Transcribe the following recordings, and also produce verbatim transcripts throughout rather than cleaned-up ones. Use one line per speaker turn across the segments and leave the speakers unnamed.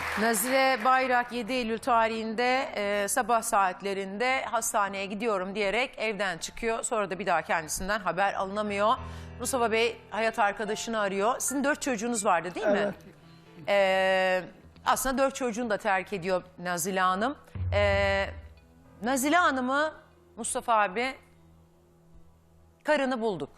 Nazile Bayrak yedi Eylül tarihinde e, sabah saatlerinde hastaneye gidiyorum diyerek evden çıkıyor. Sonra da bir daha kendisinden haber alınamıyor. Mustafa Bey hayat arkadaşını arıyor. Sizin dört çocuğunuz vardı değil mi?
Evet.
Ee, aslında dört çocuğunu da terk ediyor Nazile Hanım. Ee, Nazile Hanım'ı Mustafa abi karını bulduk.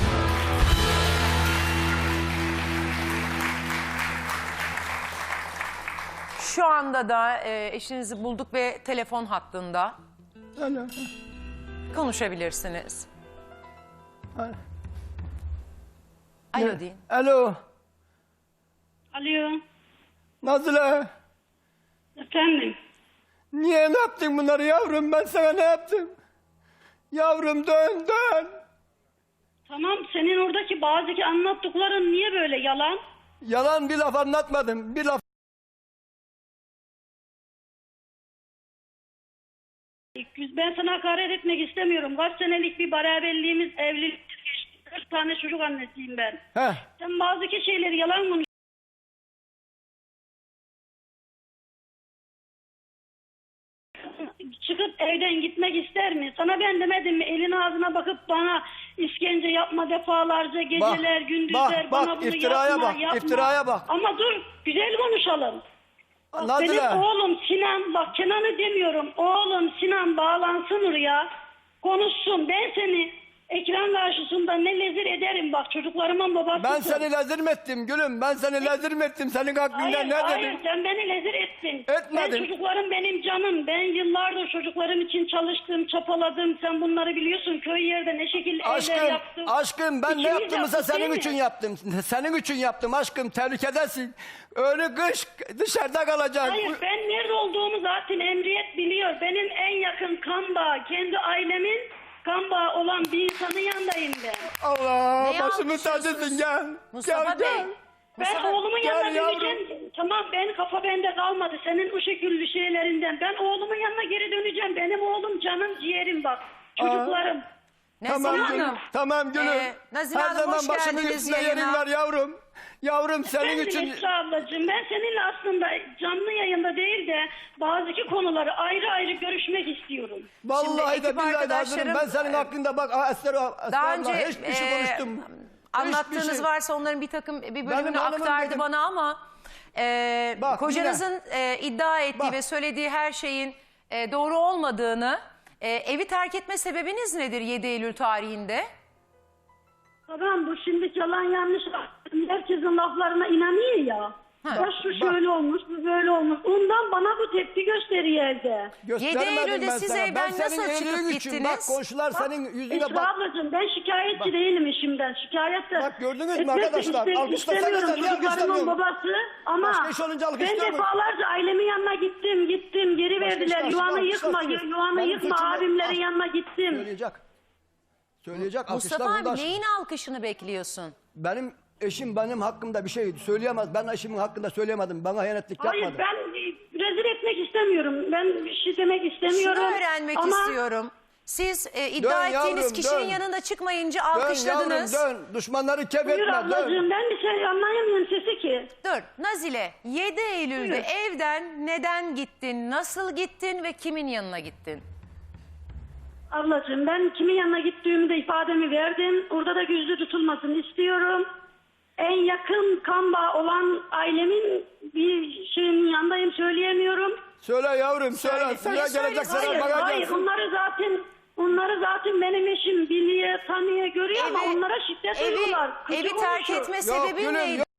Şu anda da e, eşinizi bulduk ve telefon hattında.
Alo.
Konuşabilirsiniz.
Alo.
Alo deyin.
Alo.
Alo,
Nazile.
efendim.
Niye ne yaptın bunları yavrum? Ben sana ne yaptım? Yavrum dön dön.
Tamam, senin oradaki bazı anlattıkların niye böyle yalan?
Yalan bir laf anlatmadım. Bir laf.
Ben sana hakaret etmek istemiyorum. Kaç senelik bir beraberliğimiz, evlilik geçti. kırk tane çocuk annesiyim ben.
Heh.
Sen bazı şeyleri yalan konuşuyorsun. Çıkıp evden gitmek ister mi? Sana ben demedim mi? Elin ağzına bakıp bana işkence yapma defalarca, geceler,
Bak,
gündüzler,
bak,
bana
bak,
bunu
iftiraya
yapma,
bak,
yapma.
iftiraya bak.
Ama dur, güzel konuşalım. Bak,
Nazile.
benim oğlum Sinan, bak Kenan'ı demiyorum. Oğlum Sinan bağlansın oraya, konuşsun. Ben seni ekran karşısında ne lezir ederim, bak çocuklarımın babasısın.
Ben seni lezir mi ettim gülüm? Ben seni lezir mi ettim? Senin hakkında
Hayır,
ne
hayır,
dedim?
sen beni lezir ettin.
Etmedim.
Ben çocuklarım benim canım. Ben yıllardır çocuklarım için çalıştım, çapaladım. Sen bunları biliyorsun. Köy yerde ne şekilde evler
Aşkım,
yaptım.
aşkım ben
İkimiz
ne yaptığımsa
yaptık,
senin
değil
için
mi?
yaptım. Senin için yaptım aşkım. Tehlikedesin. Önü kış dışarıda kalacaksın.
Hayır, ben nerede olduğumu zaten Emniyet biliyor. Benim en yakın kan bağı, kendi ailemin kan bağı olan bir insanın yanındayım ben.
Allah
Neyi
başımın
alkışlıyorsunuz?
tacısın gel.
Mustafa
gel,
Bey.
gel.
Ben
Mustafa-
oğlumun
Gel
yanına
yavrum.
döneceğim. Tamam, ben kafa bende kalmadı. Senin o şekilli şeylerinden. Ben oğlumun yanına geri döneceğim. Benim oğlum canım ciğerim bak. Çocuklarım.
Nazile
Tamam
Hanım.
gülüm. Tamam gülüm.
Ee, Nazile
Her
Hanım,
zaman
hoş
başımın
geldiniz
üstünde yerin
yayına.
var yavrum. Yavrum senin
Efendim
için...
Esra ablacığım, ben seninle aslında canlı yayında değil de bazı konuları ayrı ayrı görüşmek istiyorum.
Vallahi
Şimdi
de
ekip
billahi de hazırım. Ben
arkadaşlarım,
senin hakkında bak Aa, Esra, Esra
Daha
abla,
önce
hiçbir şey
e,
konuştum.
anlattığınız
Hiçbir şey.
varsa onların bir takım bir bölümünü
hanımım
aktardı
dedim.
bana ama e,
Bak,
kocanızın e, iddia ettiği
Bak.
ve söylediği her şeyin e, doğru olmadığını, e, evi terk etme sebebiniz nedir yedi Eylül tarihinde?
Tamam, bu şimdi yalan yanlış. Herkesin laflarına inanıyor ya.
Ha.
Ya şu şöyle olmuş, bu böyle olmuş. Ondan bana bu tepki gösteriyor evde.
Göstermedim
yedi Eylül'de
ben
siz
sana.
evden
Ben senin
nasıl çıkıp
iyiliğin için,
gittiniz?
Bak komşular senin yüzüne
Esra
bak.
ablacığım, ben şikayetçi değilim işimden. Şikayet de
Bak gördünüz mü
etmek de
arkadaşlar?
iste-
Alkışlasanıza,
istemiyorum.
niye
Çocuklarımın
alkışlamıyorum?
babası ama
Başka iş olunca
ben
alkışlamıyorum.
defalarca ailemin yanına gittim, gittim. Geri
Başka
verdiler.
işler,
Yuvanı
alkışlar,
yıkma,
alkışlar.
yuvanı
Benim
yıkma.
suçum yok.
Abimlerin
Al.
yanına gittim.
Söyleyecek. Söyleyecek.
Mustafa
alkışlar
abi
burada.
neyin alkışını bekliyorsun?
Benim eşim benim hakkımda bir şey söyleyemez. Ben eşimin hakkında söyleyemedim. Bana hayanetlik
Hayır,
yapmadı.
ben e, rezil etmek istemiyorum. Ben bir şey demek istemiyorum.
Şunu öğrenmek
ama
istiyorum. Siz e, iddia
Dön
ettiğiniz
yavrum,
kişinin
dön.
yanında çıkmayınca
Dön yavrum
alkışladınız.
dön. Düşmanları kef
Buyur
etme.
ablacığım,
Dön.
ben bir şey anlayamıyorum sesi ki.
Dur Nazile, yedi Eylül'de
Buyur.
evden neden gittin, nasıl gittin ve kimin yanına gittin?
Ablacığım, ben kimin yanına gittiğimi de ifademi verdim. Orada da gizli tutulmasını istiyorum. En yakın kan bağı olan ailemin bir şeyin yanındayım, söyleyemiyorum.
Söyle yavrum söyle.
Söyle.
Sana
Niye
gelecek
söyle?
sana
Hayır,
bana
hayır.
gelsin.
Onları zaten onları zaten benim eşim biliyor, tanıyor, görüyor ama
Evi-
onlara şiddet
Evi,
uyguluyorlar. Kötü
evi terk
konuşuyor.
etme
Yok,
sebebi
gülüm,
neydi?
yok.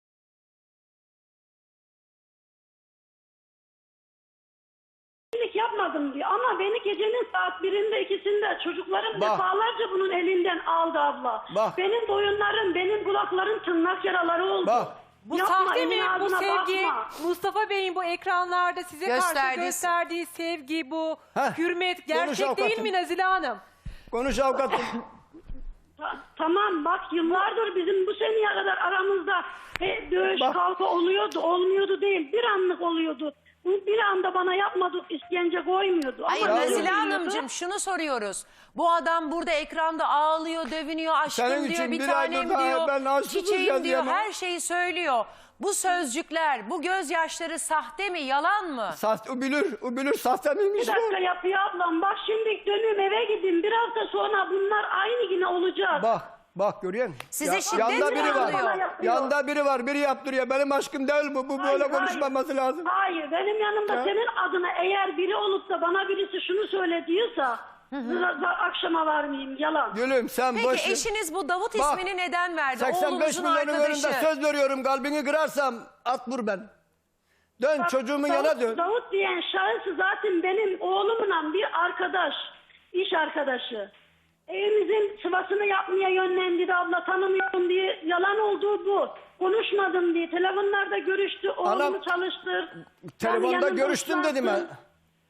Temizlik yapmadım diyor ama beni gecenin saat birinde ikisinde çocuklarım
Bak.
defalarca bunun elinden aldı abla.
Bak.
Benim boyunlarım, benim kulaklarım tırnak yaraları oldu.
Bak.
Bu
Yapma,
sahte mi
elin
bu
ağzına
sevgi?
bakma.
Mustafa Bey'in bu ekranlarda size karşı
Gösterdiği-
gösterdiği sevgi, bu
Heh,
hürmet
konuş
gerçek değil
avukatım.
mi Nazile Hanım?
Konuş avukatım.
Ta- tamam bak, yıllardır bizim bu seneye kadar aramızda he, dövüş
Bak.
kavga oluyordu, olmuyordu değil. Bir anlık oluyordu. Bu bir anda bana yapmadık, işkence koymuyordu.
Hayır
Ama
Nazile
dövüyordu.
Hanımcığım şunu soruyoruz. Bu adam burada ekranda ağlıyor, dövünüyor, aşkım
Senin
diyor,
için
bir
bir
tanem
aydır daha
diyor,
ben aşkım
çiçeğim
ya
diyor,
diyemem.
her şeyi söylüyor. Bu sözcükler, bu gözyaşları sahte mi, yalan mı?
Sahte, o bilir, o bilir sahte miymiş
Bir dakika
bu?
yapıyor ablam. Bak şimdi dönüyorum eve gideyim. Bir hafta sonra bunlar aynı yine olacak.
Bak, bak görüyor musun?
Size şiddet
yanda
mi
biri var.
oluyor?
Yapıyor.
Yanda biri var, biri yaptırıyor. Benim aşkım değil bu, bu
Hayır,
böyle
hayır.
konuşmaması lazım.
Hayır, benim yanımda
Ya.
senin adına eğer biri olup da bana birisi şunu söyle diyorsa hı akşama varmayayım, yalan.
Gülüm sen
Peki
boş ver.
eşiniz bu Davut
Bak,
ismini neden verdi?
seksen beş
Oğlunuzun
milyonun
arkadaşı.
önünde söz veriyorum, kalbini kırarsam at vur ben. Dön
Bak,
çocuğumun
Davut,
yana dön.
Davut diyen şahıs zaten benim oğlumla bir arkadaş, iş arkadaşı. Evimizin sıvasını yapmaya yönlendirdi, abla tanımıyorum diye, yalan olduğu bu. Konuşmadım diye, telefonlarda görüştü, oğlumu
Anam,
çalıştır.
Telefonda
Yani yanında
görüştüm dedim ben.
uslansın,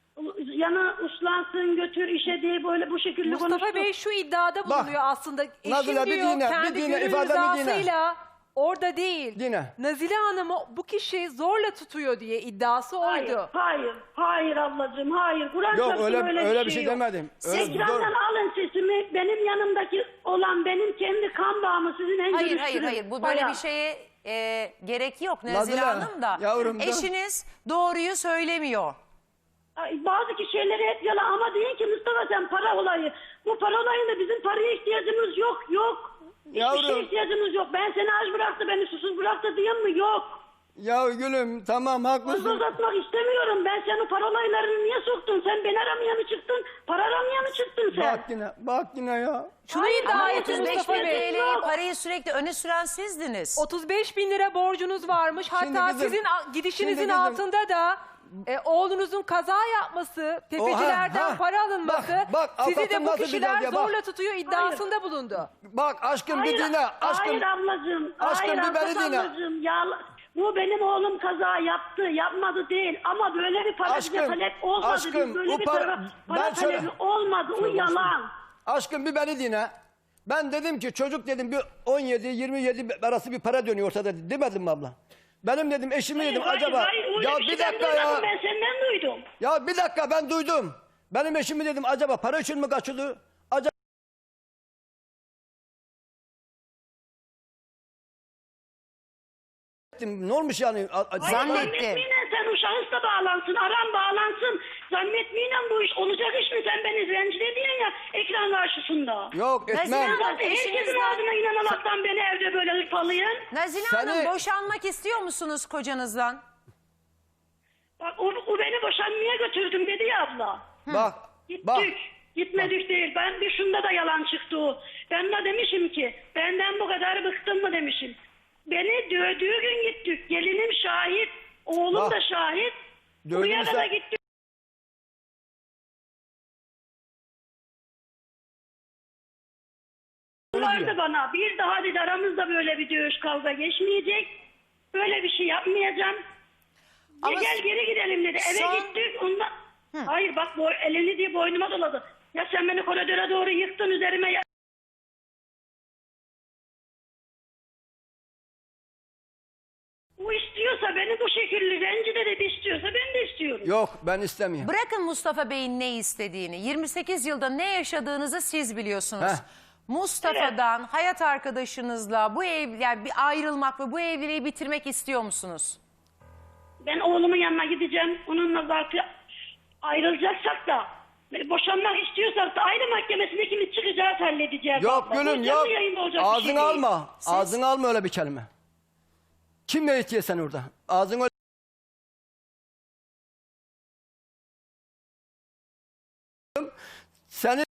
Yana uslansın, götür işe diye böyle bu şekilde
Mustafa
konuştu.
Bey şu iddiada
Bak,
bulunuyor aslında. Eşim
Nazile, bir
diyor
dinle, bir
kendi
dinle,
gönül
ifademi dinle.
rızasıyla orada değil.
Dinle.
Nazile Hanım'ı bu kişi zorla tutuyor diye iddiası
Hayır,
oydu.
hayır, hayır ablacığım, hayır. Kur'an
Yok
çarpsın
öyle öyle,
öyle
bir şey
yok.
demedim.
Siz
Öyle,
ekrandan
zor-
alın sesimi, benim yanımdaki olan benim kendi kan bağımı sizin en
Hayır hayır
görüştürün.
hayır, bu böyle
Bayağı.
bir şeye e, gerek yok Nazile
Nazile,
Hanım da.
yavrum, dur.
Eşiniz doğruyu söylemiyor.
Ay, bazı şeyleri hep yalan ama deyin ki Mustafa sen para olayı. Bu para olayında bizim paraya ihtiyacımız yok, yok. Hiçbir
Yavrum.
şeye ihtiyacımız yok. Ben seni aç bıraktı, beni susuz bıraktı diyeyim mi? Yok.
Ya gülüm tamam
Fazla
haklısın.
uzatmak istemiyorum. Ben senin para olaylarını niye soktun? Sen beni aramaya mı çıktın? Para aramaya mı çıktın sen?
Bak yine, bak yine ya.
Şunu
Hayır,
iddia
ama
etti
otuz beş
Mustafa
bin
Bey.
TL
T L'yi parayı sürekli öne süren sizdiniz.
otuz beş bin lira borcunuz varmış.
Şimdi
Hatta
kızım,
sizin a- gidişinizin
şimdi kızım.
altında da e, oğlunuzun kaza yapması, tepecilerden
ha.
para alınması,
Bak, bak,
sizi de
avukatım
bu
nasıl
kişiler
güzel ya, bak.
zorla tutuyor iddiasında bulundu.
Bak aşkım
Hayır,
bir dinle. Aşkım.
hayır ablacığım.
Aşkım,
hayır
bir beni
Abbas
dinle.
ablacığım. Ya, bu benim oğlum kaza yaptı. Yapmadı değil. Ama böyle bir para bize
Aşkım,
talep olmadı.
aşkım,
Biz böyle
o
bir
para-
para, para
ben şöyle-
talebi olmadı. O yalan.
Aşkım bir beni dinle. Ben dedim ki çocuk dedim bir on yedi yirmi yedi arası bir para dönüyor ortada demedim mi abla? Benim dedim eşimi dedim
Hayır,
acaba.
hayır, öyle
ya
bir
bir
şey ben
dakika ya.
duymadım, Ben senden duydum.
Ya bir dakika ben duydum. Benim eşimi dedim acaba para için mi kaçırdı? Acaba ne olmuş yani? A- a-
Hayır,
Zannettim.
Zannetmeyle sen o şahısla bağlansın. Aran bağlansın. Zannetmeyle bu iş olacak iş mi? Sen beni rencide ediyorsun ya ekran karşısında.
Yok etmem.
Nazile Hanım,
Zaten herkesin
eşinizden-
adına inanaraktan beni evde böyle hırpalayın.
Nazile
Seni-
Hanım, boşanmak istiyor musunuz kocanızdan?
Bak o, o beni boşanmaya götürdüm dedi ya abla.
Bak
Gittik.
bak.
Gitmedik değil. Ben bir şunda da yalan çıktı o. Ben de demişim ki benden bu kadar bıktın mı demişim. Beni dövdüğü gün gittik. Gelinim şahit. Oğlum
Bak.
da şahit.
Dövdüğünü
Buraya
sen-
da gittik. Vardı bana. Bir daha dedi aramızda böyle bir dövüş kavga geçmeyecek. Böyle bir şey yapmayacağım.
Ama
Ya gel geri gidelim dedi. Eve
son-
gittik. Ondan... Hayır bak boy, elini diye boynuma doladı. Ya sen beni koridora doğru yıktın üzerime. Ya... O istiyorsa beni bu şekilde rencide dedi istiyorsa ben de istiyorum.
Yok ben istemiyorum.
Bırakın Mustafa Bey'in ne istediğini. yirmi sekiz yılda ne yaşadığınızı siz biliyorsunuz.
Heh.
Mustafa'dan, hayat arkadaşınızla bu ev, yani bir ayrılmak ve bu evliliği bitirmek istiyor musunuz?
Ben oğlumun yanına gideceğim. Onunla zaten ayrılacaksak da boşanmak istiyorsak da aile mahkemesinde ikimiz çıkacağız halledeceğiz.
Yok
abla. Bu
gülüm
canlı
yok.
yayında olacak bir şey
Ağzını
değil.
alma. Ağzını alma öyle bir kelime. Kim ne itiyor sen orada? Ağzını Seni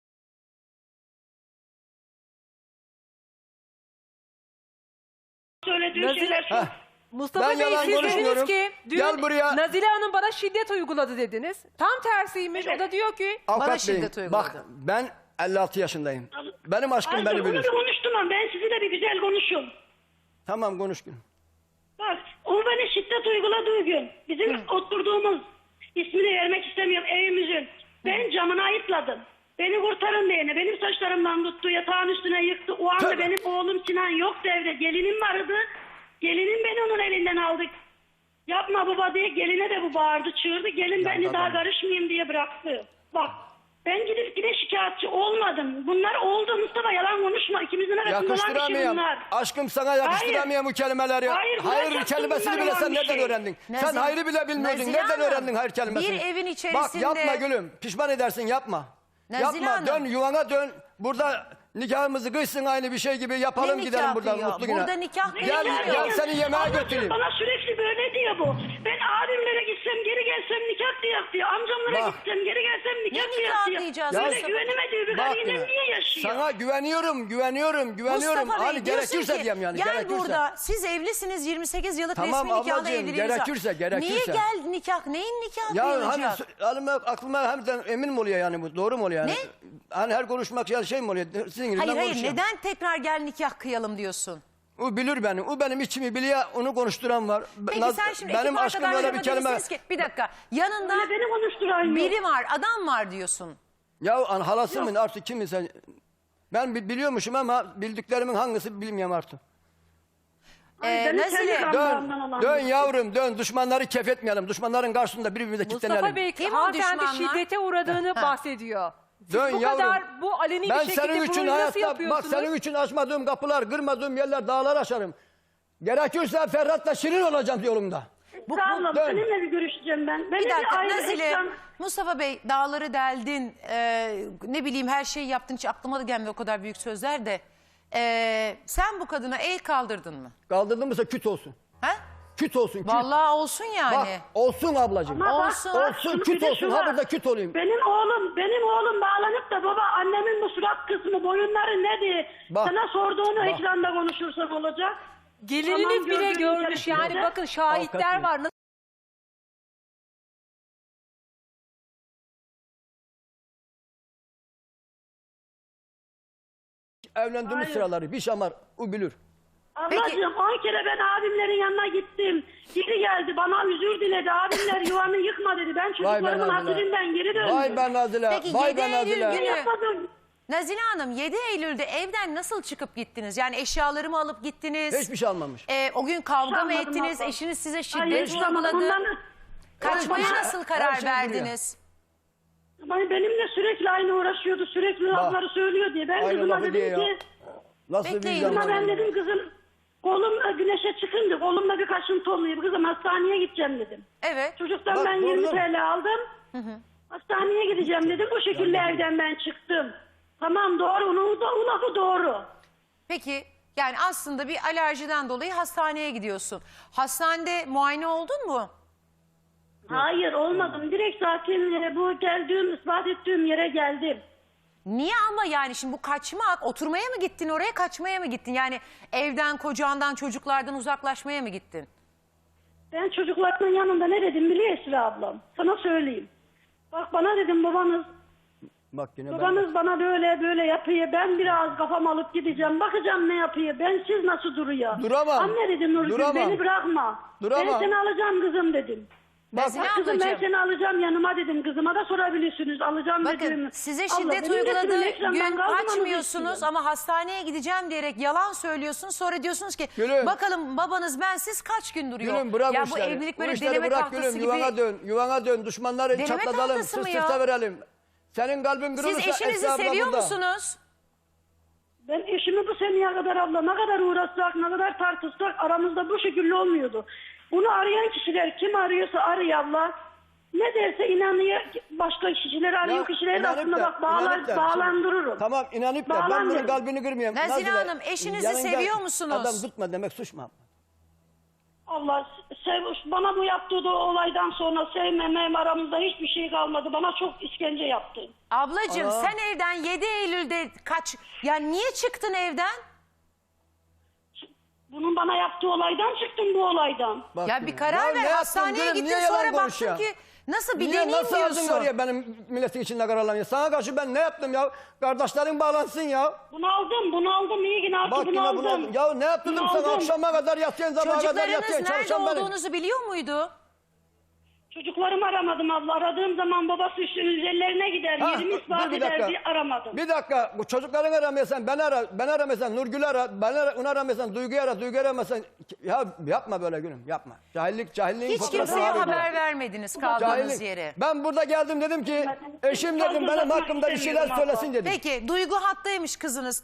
Söylediği
Nazile-
şeyler
Heh.
Mustafa
Ben
Bey
yalan
siz
konuşmuyorum.
dediniz ki dün
Gel buraya.
Nazile Hanım bana şiddet uyguladı dediniz. Tam tersiymiş. O da diyor ki
avukat
Bana
beyim,
şiddet uyguladı.
Bak ben elli altı yaşındayım. Benim aşkım
Azdır,
beni
onu
bilir.
bir konuştum ama ben sizinle bir güzel konuşun.
Tamam konuş gülüm.
Bak o beni şiddet uyguladığı gün bizim oturduğumuz ismini vermek istemiyorum evimizin. Ben camına ayıpladım. Beni kurtarın diyene benim saçlarımdan tuttu yatağın üstüne yıktı. O anda
Tabii.
benim oğlum Sinan yoktu evde. Gelinim vardı. Gelinim beni onun elinden aldı. Yapma baba diye geline de bu bağırdı çığırdı. Gelin
Ya
beni
babam.
daha karışmayayım diye bıraktı. Bak Ben gidip gide şikayetçi olmadım. Bunlar oldu Mustafa, yalan konuşma. İkimizin arasında olan bir şey
Yakıştıramıyorum.
bunlar.
Aşkım sana yakıştıramıyorum bu kelimeleri.
Hayır,
hayır
bırak
kelimesini
bunlar
bile
olan
sen
bir
nereden
şey.
öğrendin?
Nazile-
sen hayrı bile bilmiyordun.
Nazile
Nereden
Hanım,
öğrendin hayır kelimesini?
bir evin
Bak
içerisinde-
yapma gülüm. Pişman edersin yapma.
Nazile
yapma
Hanım.
dön yuvana dön. Burada nikahımızı kıysın aynı bir şey gibi yapalım
Ne
gidelim
nikah
buradan
kıyıyor?
mutlu güne.
Burada nikah
Gel,
kıyılmıyor.
gel seni yemeğe
Ablacığım,
götüreyim.
Bana sürekli böyle diyor bu. Ben abimlere gitsem geri gelsem nikah diyor diyor. Amcamlara
Bak.
gitsem geri gelsem nikah
Ne
diyor
nikah
diyor.
diyeceğiz
Böyle
Mustafa?
güvenemediği bir
Bak
karıyla
yine,
niye yaşıyor?
sana güveniyorum, güveniyorum, güveniyorum.
Mustafa Bey
hani
diyorsun
gerekirse
ki
diyeyim yani.
gel
gerekirse.
burada siz evlisiniz yirmi sekiz yıllık
Tamam
resmi nikahda
ablacığım,
evliliğiniz var.
gerekirse, gerekirse.
Niye gel nikah neyin nikah
Ya
kıyılacak?
hani aklıma, aklıma hem emin mi oluyor yani bu? Doğru mu oluyor yani?
Ne?
Hani her konuşmak yani şey mi oluyor? Sizin gibi
Hayır
ben
hayır
konuşuyorum.
neden tekrar gel nikah kıyalım diyorsun?
O bilir beni. O benim içimi biliyor. Onu konuşturan var.
Peki
Naz-
sen şimdi
benim
ekip
aşkım böyle bir
arkadaşlarıma
kelime.
demişsiniz ki bir dakika yanında
Öyle beni konuşturan
biri
yok.
var adam var diyorsun.
Ya an halası mı artık kim sen? Ben bi- biliyormuşum ama bildiklerimin hangisi bilmiyorum artık.
Ay,
Ee,
beni
Nazile,
kendi
Dön,
kanlarımdan olan
dön
bir şey.
yavrum dön. Düşmanları kefetmeyelim. Düşmanların karşısında birbirimize kilitlenelim.
Mustafa Bey
Kim o
hanımefendi
düşmanlar?
şiddete uğradığını
Ha.
bahsediyor. Siz
Dön
bu
yavrum.
kadar bu aleni
Ben
bir şekilde
senin için
bunu nasıl
hayatta, bak
yapıyorsunuz?
senin için açmadığım kapılar, kırmadığım yerler, dağlar aşarım. Gerekirse Ferhat'la Şirin olacağım yolumda.
Bu,
Sağ olun,
dön.
seninle bir görüşeceğim ben. Beni
Bir dakika
ayrı
Nazile,
etsen-
Mustafa Bey dağları deldin, e, ne bileyim her şeyi yaptın hiç aklıma da gelmedi o kadar büyük sözler de. E, sen bu kadına el kaldırdın mı?
Kaldırdın mı küt olsun.
Ha?
Küt olsun küt.
Vallahi olsun yani.
Bak olsun ablacığım.
Ama bak,
Olsun.
bak,
Olsun,
şunu
küt
bir de
olsun.
şu
Ha
var.
burada küt olayım.
Benim oğlum, benim oğlum bağlanıp da baba annemin bu surat kısmı, boyunları ne diye
Bak,
sana sorduğunu
bak.
ekranda konuşursan olacak.
Gelininiz
Tamam,
bile
gördüğüm
görmüş yani
içerisinde.
bakın şahitler
Avukat
var.
Evlendiğimiz
Hayır.
sıraları bir şamar o bilir.
Ablacığım on kere ben abimlerin yanına gittim. Geri geldi bana özür diledi. Abimler yuvanı yıkma dedi. Ben
Vay be
çocuklarımın
Nazile.
hasretinden geri döndüm.
Vay be Nazile.
Peki,
Vay
yedi
be
Eylül
Nazile.
günü-
Yapmadım.
Nazile Hanım yedi Eylül'de evden nasıl çıkıp gittiniz? Yani eşyalarımı alıp gittiniz.
Hiçbir şey almamış.
E, o gün kavga mı
Almadım
ettiniz?
abla.
Eşiniz size
Ay,
şiddet
hiç almadım.
uyguladı.
Ondan-
Kaçmaya
Her şey-
nasıl
her
karar
şey biliyor.
verdiniz?
Ay, benimle sürekli aynı uğraşıyordu. Sürekli lafları söylüyor diye. Ben
Aynı
kızıma
lafı
dedim
diyor ya.
ki
Nasıl
Bekleyin
bir
kızıma
vicdan
ben
var?
dedim kızım kolum güneşe çıkınca kolumda bir kaşıntı oluyor. Kızım hastaneye gideceğim dedim.
Evet.
Çocuktan
Bak,
ben
doğru.
yirmi T L aldım. Hastaneye gideceğim dedim. Bu şekilde evden ben çıktım. Tamam doğru. Onun da o lafı doğru.
Peki yani aslında bir alerjiden dolayı hastaneye gidiyorsun. Hastanede muayene oldun mu?
Hayır olmadım. Direkt zaten e, bu geldiğim, ispat ettiğim yere geldim.
Niye ama yani şimdi bu kaçmak, oturmaya mı gittin oraya kaçmaya mı gittin? Yani evden, kocandan, çocuklardan uzaklaşmaya mı gittin?
Ben çocuklarımın yanında ne dedim biliyor Esra ablam? Sana söyleyeyim. Bak bana dedim babanız,
Bak yine ben.
babanız bana böyle böyle yapıyor. Ben biraz kafam alıp gideceğim. Bakacağım ne yapıyor. Ben siz nasıl duruyor?
Duramam.
Anne dedim Nurgül
Duramam.
beni bırakma.
Duramam.
Ben seni alacağım kızım dedim.
Nazile
Bak kızım ben
ablacığım,
seni alacağım yanıma dedim. Kızıma da sorabilirsiniz. Alacağım
bakın
dedim.
size
Abla,
şiddet
benim de
uyguladığı
sürüm ekrandan
gün
kaldırmanızı
kaçmıyorsunuz
istiyorum.
ama hastaneye gideceğim diyerek yalan söylüyorsunuz. Sonra diyorsunuz ki
Gülüm.
bakalım babanız bensiz kaç gün duruyor.
Gülüm bırak
ya
bu
bu
işleri.
evlilik
Bu
böyle
işleri
deneme
bırak
tahtası
gülüm.
gibi.
Yuvana dön. Yuvana dön. Düşmanları
Deneme
çatlatalım.
tahtası
Sırt
mı ya?
sırta verelim. Senin kalbin kırılırsa
Siz eşinizi
Esra abla
seviyor
burada.
musunuz?
Ben eşimi bu seneye kadar abla ne kadar uğraşsak ne kadar tartışsak aramızda bu şekilde olmuyordu. Bunu arayan kişiler kim arıyorsa arıyor abla. Ne derse inanıyor başka kişiler arıyor
Ya,
kişileri de
inanıp
aslında
da-
bak bağlar,
inanıp da-
bağlandırırım.
Tamam inanıp da ben bunun
Bağlandırırım.
kalbini kırmayayım.
Nazile
Nazile,
Hanım, eşinizi
yanında
seviyor musunuz?
Adam tutma demek suç mu?
Allah sev, bana bu yaptığı da olaydan sonra sevmemem aramızda hiçbir şey kalmadı. Bana çok işkence yaptı.
Ablacığım
Aa.
sen evden yedi Eylül'de kaç... Ya niye çıktın evden?
Bunun bana yaptığı olaydan çıktım bu olaydan.
Bak
Ya
gülüm.
bir karar
Ya ne
ver.
yaptın
Hastaneye
gülüm?
gittin
Niye yalan
sonra baktın
konuşuyorsun?
ki nasıl bir
Niye
deneyim
nasıl ağzın
diyorsun.
var ya benim milletin içinde kararlanıyor? Sana karşı ben ne yaptım ya? Kardeşlerin bağlansın ya.
Bunu aldım bunu aldım iyi ki ne yaptı
Bak
bunu
yine
aldım.
bunu ya ne yaptırdım
Bunu
sana
aldım.
akşama kadar yatıyorsun sabaha kadar
Çocuklarınız
yatıyorsun
nerede
çalışan benim.
olduğunuzu biliyor muydu?
Çocuklarımı aramadım abla. Aradığım zaman babası üstünün üzerlerine gider.
Ha,
Yerimi
dur
ispat
bir
eder
dakika.
diye aramadım.
Bir dakika, bu çocukların aramıyorsan ben ara, ben aramıyorsan Nurgül'ü ara, ben ara, onu aramıyorsan Duygu'yu ara, Duygu'yu aramıyorsan ya yapma böyle gülüm, yapma. Cahillik, cahilliğin
Hiç
fotoğrafını
kimseye
arayın.
haber vermediniz kaldığınız
Cahillik.
yere.
Ben burada geldim dedim ki eşim dedim benim
Fazla
hakkımda bir şeyler
istemiyorum abla.
söylesin dedim.
Peki Duygu hattaymış kızınız.